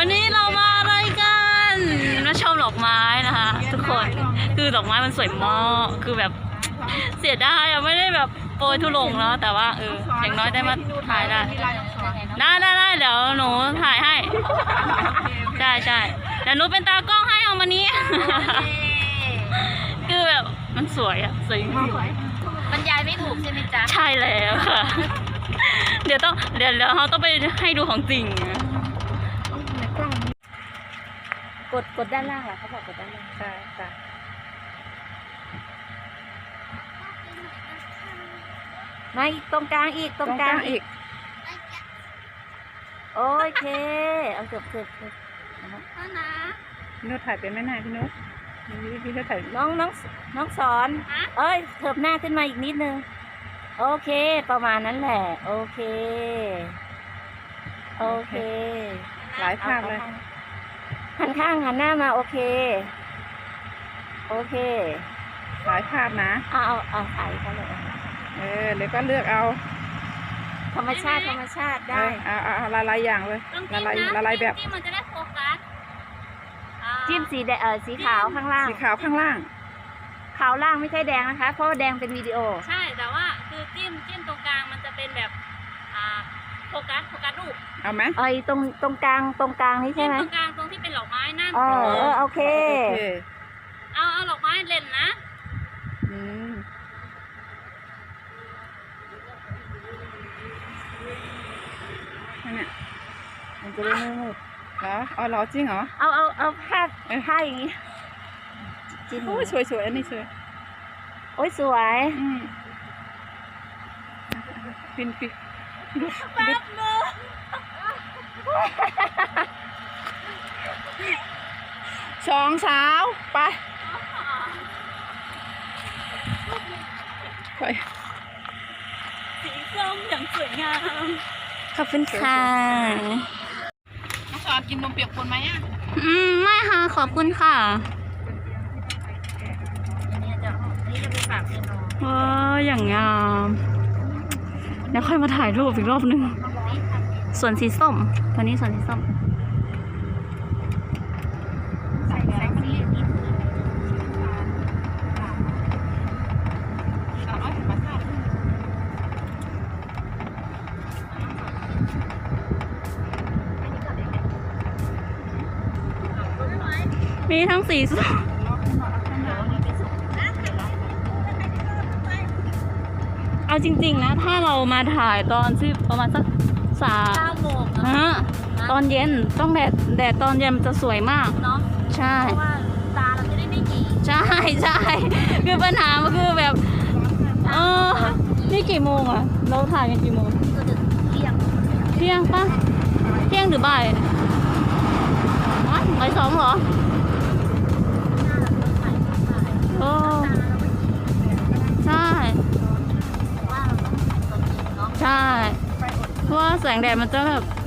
วันนี้เรามาอะไรกันมาชมดอกไม้นะคะทุกคนคือดอกไม้มันสวยมากคือแบบเสียดายอะไม่ได้แบบโปรยทุลงแล้วแต่ว่าอย่างน้อยได้มาถ่ายได้เดี๋ยวหนูถ่ายให้ใช่เดี๋ยวหนูเป็นตากล้องให้เอามานี้ คือแบบมันสวยอะสวยจริงบรรยายไม่ถูกใช่ไหมจ๊ะใช่แล้วค่ะเดี๋ยวเขาต้องไปให้ดูของจริงกดด้านล่างเหรอเขาบอกกดด้านล่างค่ะมาอีกตรงกลางอีกตรงกลางอีกโอเคเอาเกือบนะพี่นุชถ่ายเป็นไหมนะพี่นุชถ่ายน้องสอนเอ้ยเถิบหน้าขึ้นมาอีกนิดนึงโอเคประมาณนั้นแหละโอเคหลายภาพเลยหันข้างหันหน้ามาโอเคหลายภาพนะเอาถ่ายเขาเลยแล้วก็เลือกเอาธรรมชาติได้เอาลายอย่างเลยละลายแบบที่มันจะได้โฟกัสจิ้มสีขาวข้างล่างสีขาวข้างล่างขาวล่างไม่ใช่แดงนะคะเพราะแดงเป็นวิดีโอใช่แต่ว่าคือจิ้มตรงกลางมันจะเป็นแบบโฟกัสรูปเอาไหมตรงกลางนี่ใช่ไหมตรงกลางตรงที่เป็นดอกไม้นั่นโอเคเอาดอกไม้เล่นนะเนี่ยมันจะได้ไม่มืดเหรอเหรอจริงเหรอเอาผ้าอย่างนี้จิ้มโอ้ยสวยอันนี้สวยโอ้ยสวยฟินแป๊บนึงสองสาวไปสีส้มอย่างสวยงามขอบคุณค่ะน้องสอนกินนมเปียกคนไหมอ่ะไม่ค่ะขอบคุณค่ะนี่จะไปฝากพี่น้องอย่างงามแล้วค่อยมาถ่ายรูปอีกรอบนึงส่วนสีส้มตอนนี้ส่วนสีส้มมีทั้งสีส้มเอาจริงๆนะถ้าเรามาถ่ายตอนที่ประมาณสัก 9 โมงตอนเย็นต้องแดดตอนเย็นมันจะสวยมากเนาะใช่เพราะว่าตาเราจะได้ไม่หยีใช่คือปัญหามันคือแบบนี่กี่โมงอะเราถ่ายกันกี่โมงเที่ยงปะเที่ยงหรือบ่ายบ่าย 2เหรอใช่เพราะว่าแสงแดดมันจะแบบ